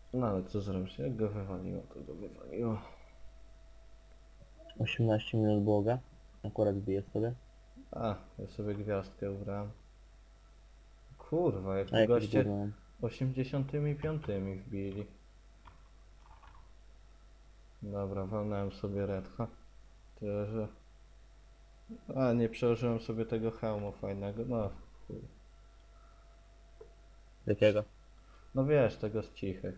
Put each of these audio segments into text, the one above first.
No ale co zrobić? Jak go wywaliło, to go wywaliło. 18 minut błoga. Akurat bije sobie. A, ja sobie gwiazdkę ubrałem. Kurwa, jak A tu jakieś goście gówno mam. 85 wbili. Dobra, walnąłem sobie redha. Tyle, że... A, nie przełożyłem sobie tego hełmu fajnego, no chuj. Jakiego? No wiesz, tego z cichych.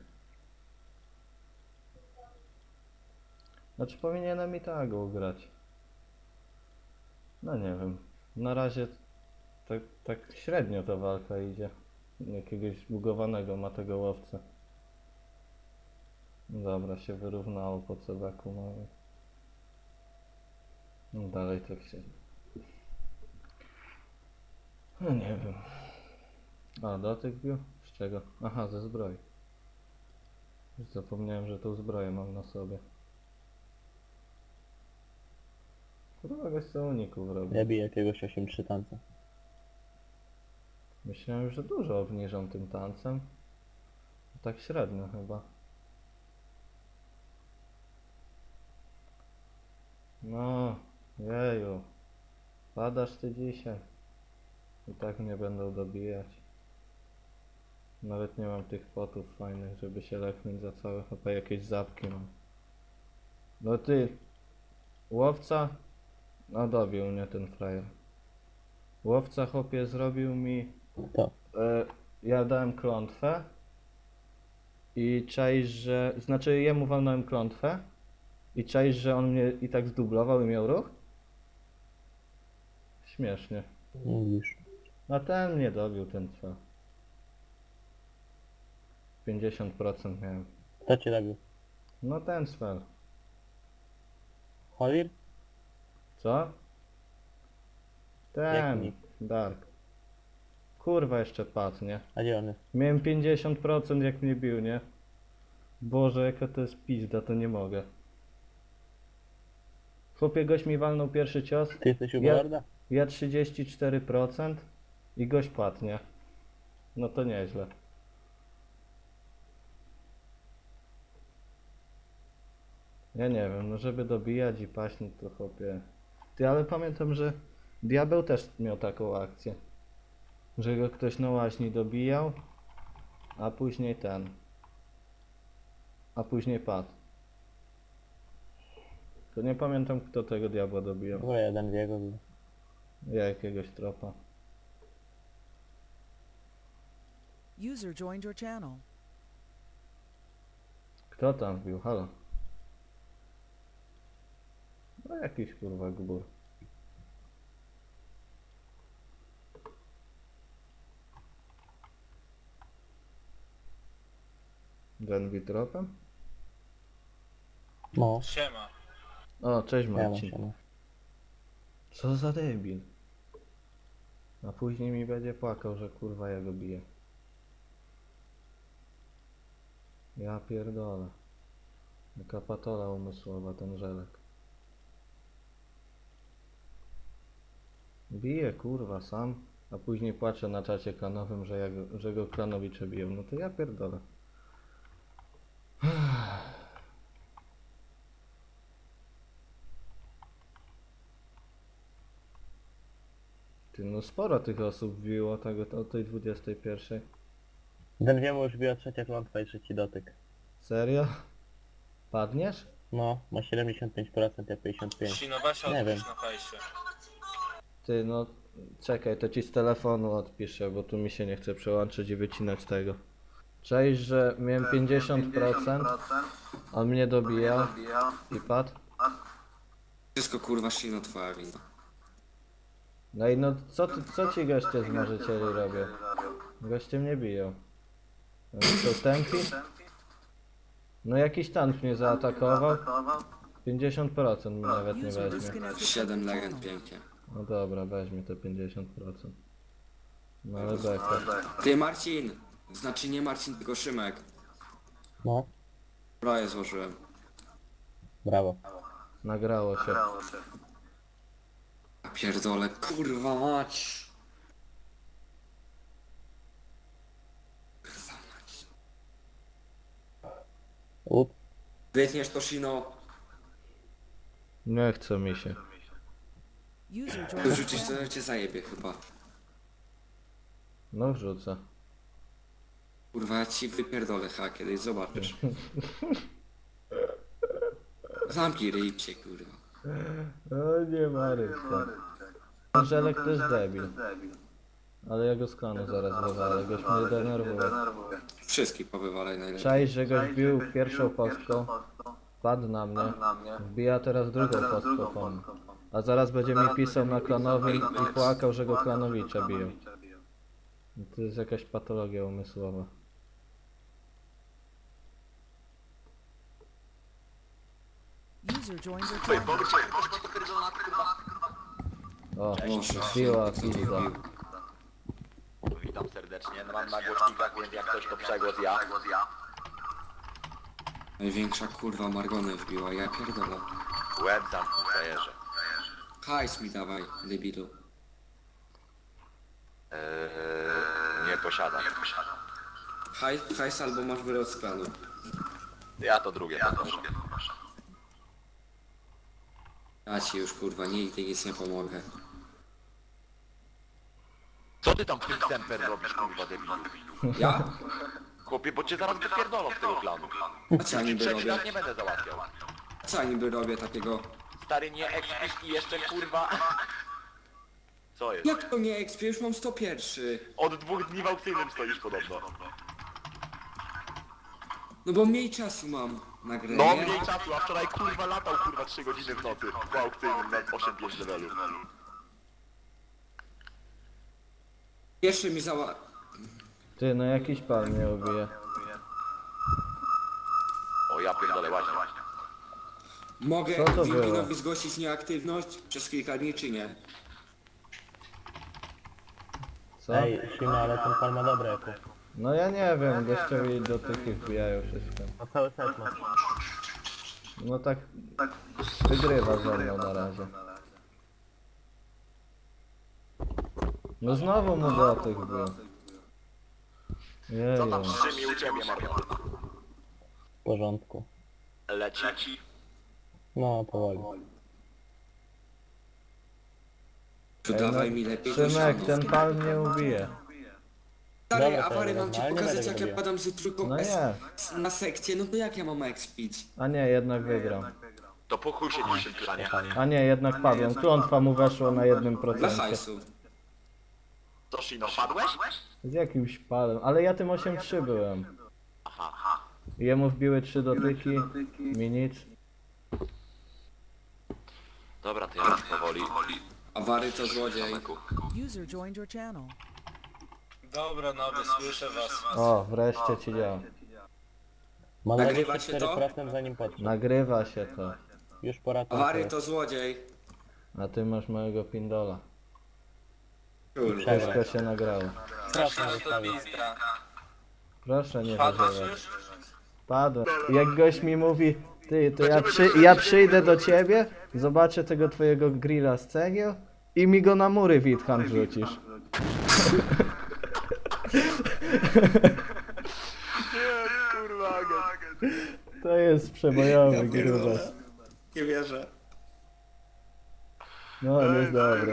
Znaczy powinienem i tak ugrać. No nie wiem. Na razie tak średnio ta walka idzie. Jakiegoś zbugowanego ma tego łowcę. Dobra, się wyrównało po cebaku mamy. No dalej tak się... No nie wiem. A, dotyk bił? Z czego? Aha, ze zbroi. Już zapomniałem, że tą zbroję mam na sobie. Kurwa, gość co uników robi. Ja biję jakiegoś 8-3 tanca. Myślałem, że dużo obniżą tym tancem. Tak średnio chyba. No, jeju. Padasz ty dzisiaj. I tak mnie będą dobijać. Nawet nie mam tych potów fajnych, żeby się leknąć za całe. Chyba jakieś zapki mam. No ty, łowca? No dobił mnie ten frajer. Łowca chłopie zrobił mi... To. Ja dałem klątwę. I czaisz, że... Znaczy jemu walnąłem klątwę. I czaisz, że on mnie i tak zdublował i miał ruch? Śmiesznie. Mówisz. A ten mnie dobił, ten co? 50% miałem. Kto cię zabił? No ten spell. Holir? Co? Jaki Ten. nick? Dark. Kurwa jeszcze padł, nie? A gdzie on jest? Miałem 50% jak mnie bił, nie? Boże, jaka to jest pizda, to nie mogę. Chłopie, gość mi walnął pierwszy cios. Ty jesteś u Ja, Balorda? ja 34% i gość padł, nie? No to nieźle. Ja nie wiem, no żeby dobijać i paść, no to chłopie. Ty, ale pamiętam, że Diabeł też miał taką akcję. Że go ktoś na łaźni dobijał, a później ten. A później padł. To nie pamiętam, kto tego diabła dobijał. Chyba jeden w jego był. Ja jakiegoś tropa. User joined your channel. Kto tam wbił? Halo? No jakiś kurwa gbur. Gen tropem? No. Siema. O, cześć Ja mam Marcin. się. Co za debil. A później mi będzie płakał, że kurwa ja go biję. Ja pierdolę. Jaka patola umysłowa ten żelek. Bije kurwa sam, a później płacze na czacie klanowym, że go klanowicze biją. No to ja pierdolę. Ty, no sporo tych osób wbiło tego o tej 21. Ten wiemu już biła trzecia klątwa i trzeci dotyk. Serio? Padniesz? No, ma 75%, ja 55%. Sinowasia Nie odpisz wiem. na fejsie. Ty, no czekaj, to ci z telefonu odpiszę, bo tu mi się nie chce przełączyć i wycinać tego. Cześć, że miałem 50%, on mnie dobijał i padł. Wszystko kurwa Shino twoja wina. No i no co ci goście z marzycieli robią? Goście mnie biją. Oni są tępi? No jakiś tank mnie zaatakował. 50% mi nawet nie User weźmie. disconnected from 7 your legend channel. pięknie. No dobra, weźmie te 50%. No ale beka. Ty Marcin! Znaczy nie Marcin, tylko Szymek. No, Broję złożyłem. brawo. Nagrało się. Ja pierdolę, kurwa mać! Kurwa mać. Wytniesz to Shino, Nie chce mi się. User joined to your rzucisz, channel. to cię zajebie chyba. No wrzucę. Kurwa, ja ci wypierdolę kiedyś, zobaczysz. Zamknij ryjcie, kurwa. O nie Marysza. Żelek to jest debil. Ale ja go z klanu zaraz wywalę, goś mnie denerwuje. Wszystkich powywalaj najlepiej. Cześć, że goś bił pierwszą postką, padł na mnie, wbija teraz drugą postką po mnie. A zaraz będzie mi pisał na klanowi i płakał, że go klanowicze biją. To jest jakaś patologia umysłowa. User joined your channel. O, Boże, biła co pizda. zrobił? Witam serdecznie, no mam na głośnikach, więc jak ktoś to przegłos ja. Największa kurwa Margonę wbiła, ja pierdolę. Łeb zamknij, frajerze. Hajs mi dawaj, debilu. Nie posiadam. Hajs albo masz wyrok z planu. Ja to drugie poproszę. Ja ci już kurwa nigdy nic nie pomogę. Co ty tam w tym semper robisz, kurwa debilu? Ja? Chłopie, bo cię zaraz wypierdolą z tego planu. A co ja niby Trzeci robię? raz nie będę załatwiał. Co ja niby robię takiego? Stary, nie ekspis i jeszcze kurwa... Co jest? Jak to nie XP? Już mam 101. Od 2 dni w aukcyjnym stoisz podobno. No bo mniej czasu mam na grę, No nie? mniej czasu, a wczoraj kurwa latał kurwa 3 godziny w nocy w aukcyjnym na 8-5 levelu. Jeszcze mi zała... Ty, no jakiś pan mnie ubije. O ja pierdolę właśnie. Mogę Co to było? Wilkinowi zgłosić nieaktywność przez kilka dni, czy nie? Co? Ej, Shima, ale ten pan ma dobre eko. No ja nie wiem, gościowi dotyki wbijają wszystko. No cały set ma. No tak wygrywa ze mną na razie. No znowu mu dotyk był. Co tam Jeju. szczymi u ciebie, Mario? W porządku. Leci. No, powoli. To Ej, no, dawaj mi lepiej Szymek, to ten siano. pan mnie ubije. Stary, Dobra, awary to mam ci normalnie pokazać będę jak ja robił. padam z trójką No S nie. na sekcję, no to jak ja mam expić? A nie, jednak wygram. To po chuj się dzisiaj planie. A nie, jednak padłem. Klątwa mu weszło na 1%. Dla hajsu. To Shino, padłeś? Z jakimś palem. Ale ja tym 8-3 byłem. Aha. Jemu wbiły 3 dotyki, mi nic. Dobra, to ja powoli. Awary to złodziej. User joined your channel. Dobra, nowy, słyszę was. O, wreszcie ci działa. Ma Nagrywa się to? 24% zanim podszedł. Nagrywa się to. Już pora Awary to złodziej. A ty masz mojego pindola. Kurde. Wszystko się nagrało. Strasznie to zostawił. bistra. Proszę nie Padłaś wyżywać. już? Padłem. Jak gość mi mówi, ty, to ja przyjdę do ciebie, zobaczę tego twojego grilla z cegieł i mi go na mury Witcham wrzucisz. Kurwa, To jest przebojowy grubas. Nie wierzę. No, jest dobry.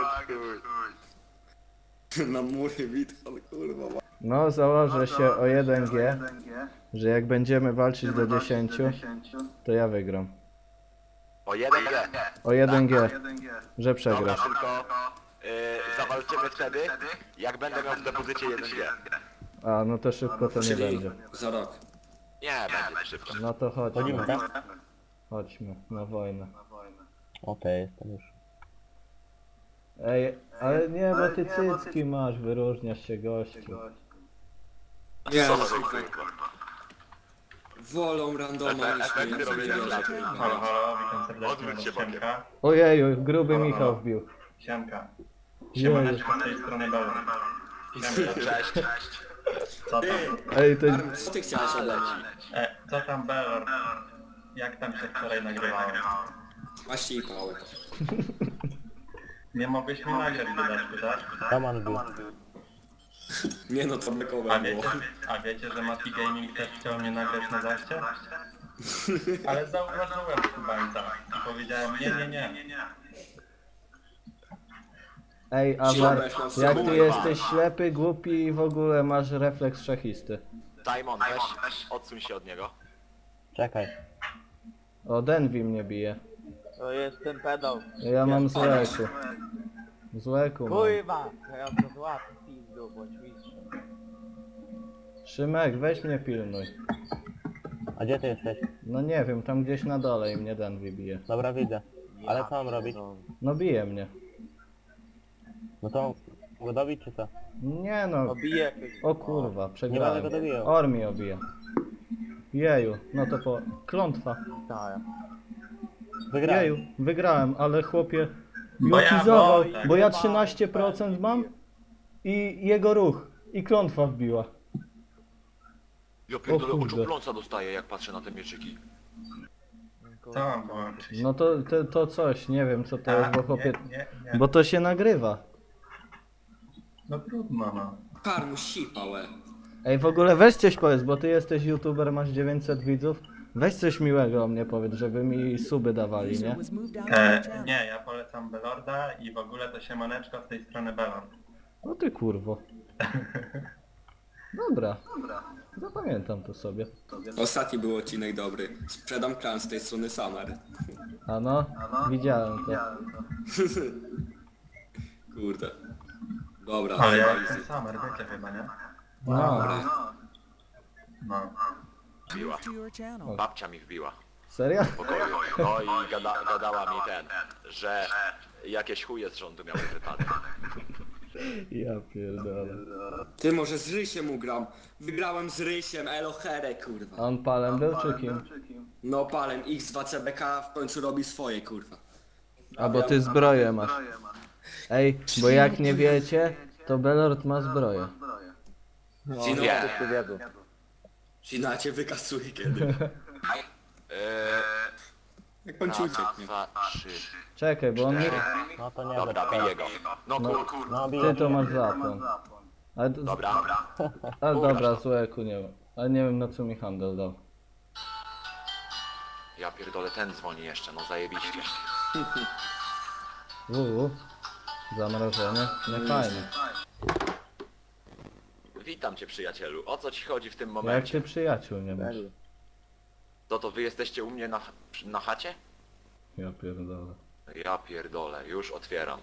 Na mury Witchon, kurwa. No, założę się o 1G, że jak będziemy walczyć do 10, to ja wygram. O 1G. O 1G, że Dobra, przegrasz. tylko zawalczymy wtedy, jak będę miał w depozycie 1G. A, no to szybko to nie Czyli będzie. za rok. Nie, będzie szybko. No to Chodzimy, chodźmy, tak? chodźmy na wojnę. Okej, jestem już. Ej, ale nie, bo ty cycki masz, wyróżniasz się gościu. Nie, Co no, za słuchaj. kurwa. Wolą randoma niż Efekty mnie. robienia Ja klaty. pierdolę. Halo, halo, witam serdecznie. Odwróć się, Siemka. Ojeju, gruby Michał wbił. Siemka. Jeju. Siemaneczko z tej strony Dolny. Siemka. Cześć. Co tam? Ej, to Arm, co ty chciałeś ode mnie? Co tam Belor? Jak tam się wczoraj nagrywałem? Maści i pałek. Nie mogłeś mi nagrać dodatku, tak? Roman był. Nie no, to A bekowe było. wiecie, a wiecie, że Mati Gaming też chciał mnie nagrać na zaście? Ale zauważyłem chyba i tak. I powiedziałem nie. Ej, Amar, Ziomek, no jak co? ty jesteś ślepy, głupi i w ogóle masz refleks szachisty. Simon, weź, odsuń się od niego. Czekaj. O, Denvi mnie bije. To jest ten pedał. Ja mam złeku. Złeku mam. Kurwa! Ja to złapę pizdu, bądź mistrzem. Szymek, weź mnie pilnuj. A gdzie ty jesteś? No nie wiem, tam gdzieś na dole i mnie Denvi bije. Dobra, widzę. Ale co mam robić? No bije mnie. No to go dobić czy co? Nie no. Obiję. O kurwa, Nie będę przegrałem. go dobijał. Or mi obija. Jeju, no to po... Klątwa. Tak. Wygrałem. Jeju, wygrałem, ale chłopie... Bo ja Jokizował, wolę. bo ja 13% mam i jego ruch. I klątwa wbiła. Ja pierdolę, kurde. oczopląca dostaję, jak patrzę na te mieczyki. Co mam włączyć? No to coś, nie wiem co to jest, bo chłopie... Nie. Bo to się nagrywa. No trudno no. Karmu sipałe. Ej, w ogóle weź coś powiedz, bo ty jesteś youtuber, masz 900 widzów. Weź coś miłego o mnie powiedz, żeby mi suby dawali, User nie? was moved out of your channel. Nie, ja polecam Belorda i w ogóle to siemaneczko z tej strony Belord. No ty kurwo. Dobra. Zapamiętam to sobie. Ostatni był odcinek dobry. Sprzedam klan z tej strony Summer. A no, widziałem to. Kurde. Dobra, Ale ja easy. jestem Summer, wiecie chyba, nie? No, No. Wbiła. Moved to your channel. Babcia mi wbiła. serio? W pokoju. No i gadała mi że jakieś chuje z rządu miały wypadek. Ja pierdolę. Ty może z Rysiem ugram. Wygrałem z Rysiem, elo here, A kurwa. on palem był czy kim? No palem, X2CBK w końcu robi swoje, kurwa. A bo ty zbroję masz. Ej, bo jak nie wiecie, to Belord ma zbroję. Gino, Nie. Gina cię wykasuje kiedy. Jak pan ci Raz, ucieknie. dwa, trzy. Czekaj, bo on mi... No to nie Dobra, wiem. biję go. No kur... No Ty biję. to masz zapłon. Ale, Dobra. ale dobra, złeku nie wiem. Ale nie wiem na co mi handel dał. Ja pierdolę, ten dzwoni jeszcze, no zajebiście. Zamrożenie? Nie fajnie. Witam cię przyjacielu, o co ci chodzi w tym Jak momencie? ty przyjaciół nie masz? To wy jesteście u mnie na chacie? Ja pierdolę. Ja pierdolę, już otwieram.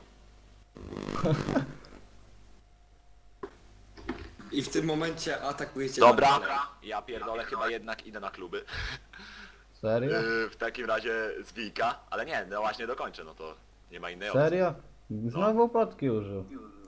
I w tym momencie atakujecie Dobra, na dalej. ja pierdolę, chyba jednak idę na kluby. Serio? W takim razie z Wika, ale nie, no właśnie dokończę, no to nie ma innej opcji. Serio? Znowu potki użył.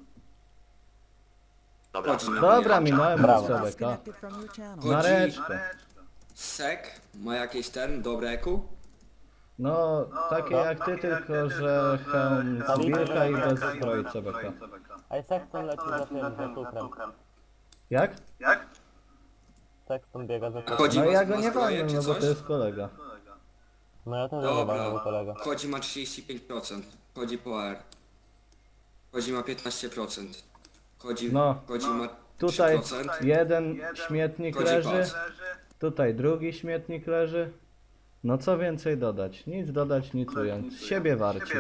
Dobra, Chodź, no. Dobra, minąłem Brawo. CBK. Disconnected from your channel. Chodź. Nareczkę. Sek ma jakieś dobre eku? No, takie jak ty, tylko że hełm z wilka i bez zbroi CBK. Ej, Sexton leci za tym, za cukrem. Jak? Sexton biega za cukrem. Chodzi No ma, ja go ma nie zbroję, walnę, czy no bo coś? to jest kolega. No ja też nie Dobra. mam kolega. Chodzi ma 35%. Chodzi po R. Chodzi ma 15%. Chodzi, No. chodzi ma Tutaj 3%. jeden śmietnik Chodzi leży, patrz. tutaj drugi śmietnik leży. No co więcej dodać? Nic dodać, nic ująć. Z siebie warci.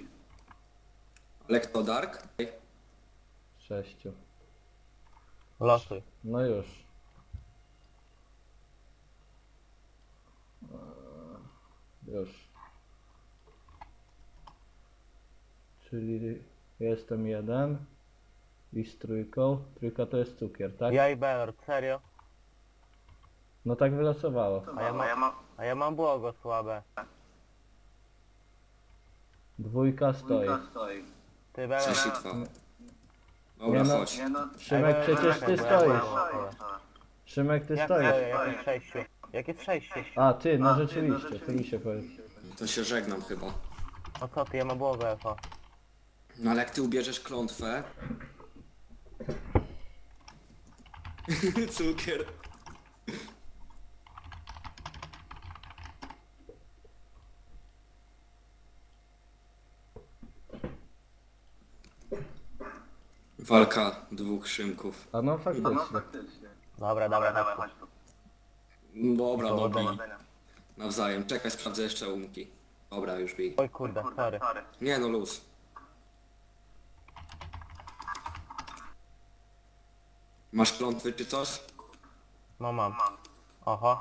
Lekto Dark. 6. Losuj. No już. Już. Czyli jestem jeden. I z trójką. Trójka to jest cukier, tak? Ja i Belord, serio? No tak wylosowało. A ja mam błogosłabe. Dwójka stoi. Ty Belord. 6 i 2. Dobra, Nie no. chodź. Szymek, Ej, przecież czekaj, ty bo ja stoisz. błogosławe. Szymek, ty Jak stoisz. stoję? Jak jest 6? Jak jest 6? A, ty, no rzeczywiście, ty mi się powiedz. To się żegnam chyba. No co ty, ja mam błogo Efa. No ale jak ty ubierzesz klątwę... Cukier. Walka dwóch Szymków. A no faktycznie. Dobra, chodź tu. Dobra, no bij. Nawzajem. Czekaj, sprawdzę jeszcze umki. Dobra, już bij. Oj kurde, sorry. Nie no, luz. Masz klątwy czy coś? No mam. Oho.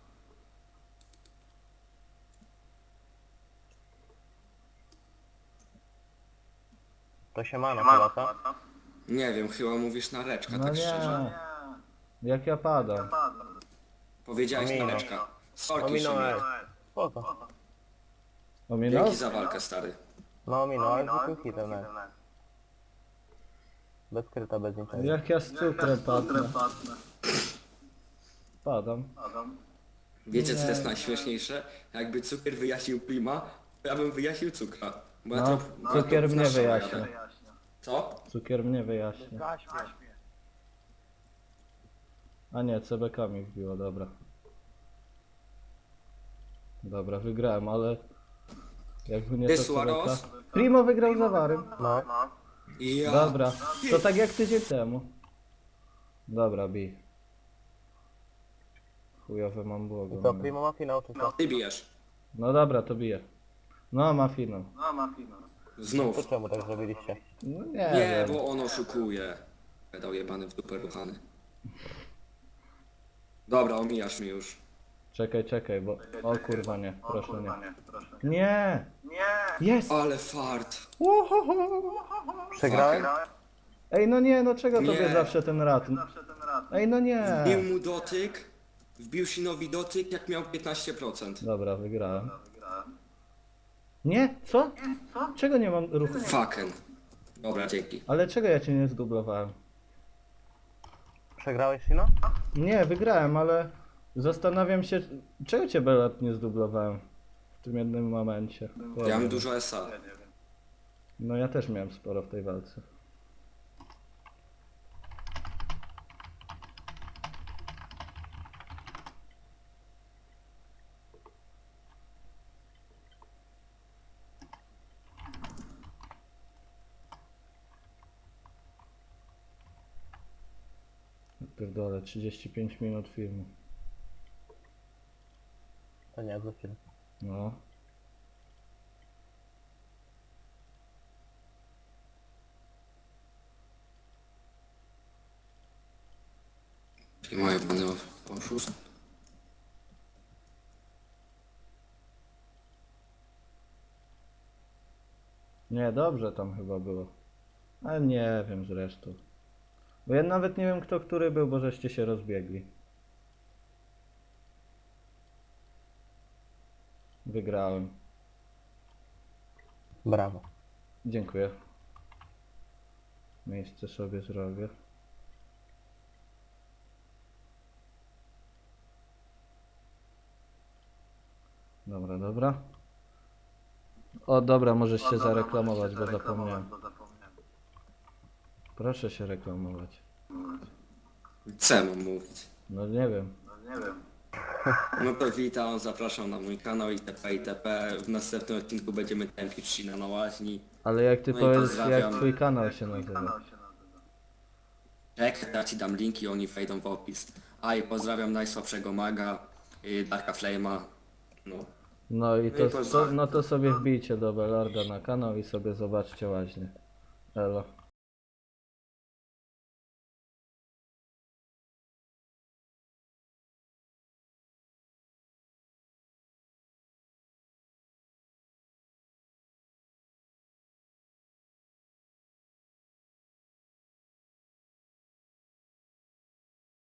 To się ma na chyba, co? Nie wiem, chyba mówisz na reczka, No tak nie. szczerze. Jak ja padam. Powiedziałeś na Ominął. reczka. Sorki, Ominąłem. Szymon. Spoko. Ominął? Dzięki za walkę, stary. No ominął, ale zwykłym hitem nawet. Bez kryta, bez niczego. Jak ja z cukrem padnę. Padam. Wiecie co jest najśmieszniejsze? Jakby cukier wyjaśnił Prima, to ja bym wyjaśnił cukra. Bo ja No, to cukier mnie zawsze wyjaśnia. jadę. Co? Cukier mnie wyjaśnia. Gaś mnie. A nie, CBK mi wbiło, dobra. Dobra, wygrałem, ale... Jakby nie to Suarez? CBK... Primo wygrał z Awarym. No. Ja. Dobra, to tak jak tydzień temu. Dobra, bij. Chujowe mam błogo. I co, Primo ma finał czy co? Ty bijesz. No dobra, to bije. No, ma finał. To Znów. czemu tak zrobiliście? No nie, Nie, wiem. bo on oszukuje. Pedał jebany w dupę ruchany. Dobra, omijasz mi już. Czekaj, bo... O kurwa nie, proszę nie. Nie! Jest! Ale fart. Przegrałem? Ej, no nie, no czego Nie. tobie zawsze ten rat? Ej, no nie! Wbił mu dotyk. Wbił Shinowi dotyk, jak miał 15%. Dobra, wygrałem. Nie? Co? Czego nie mam ruchu? Fucken. Dobra, dzięki. Ale czego ja cię nie zdublowałem? Przegrałeś Shino? Nie, wygrałem, ale zastanawiam się, czego cię Belat nie zdublowałem w tym jednym momencie. Ja mam dużo SA. No ja też miałem sporo w tej walce. Pierdolę, 35 minut filmu. To nie, za film. No. I moje pany oszust. Nie, dobrze tam chyba było. Ale nie wiem zresztą. Bo ja nawet nie wiem kto który był, bo żeście się rozbiegli. Wygrałem. Brawo. Dziękuję. Miejsce sobie zrobię. Dobra. O, dobra, możesz się zareklamować, bo zapomniałem. Proszę się reklamować. Co mam mówić? No nie wiem. No to witam, zapraszam na mój kanał itp. itp. W następnym odcinku będziemy tępić Shina na łaźni. Ale jak ty No i powiesz, pozdrawiam. jak twój kanał się nazywa? Czekaj, ja ci dam linki, oni wejdą w opis. A i pozdrawiam najsłabszego maga, Darka Flame'a. No. No i No i to, pozdrawiam. no to sobie wbijcie do Belarda na kanał i sobie zobaczcie łaźnie. Elo.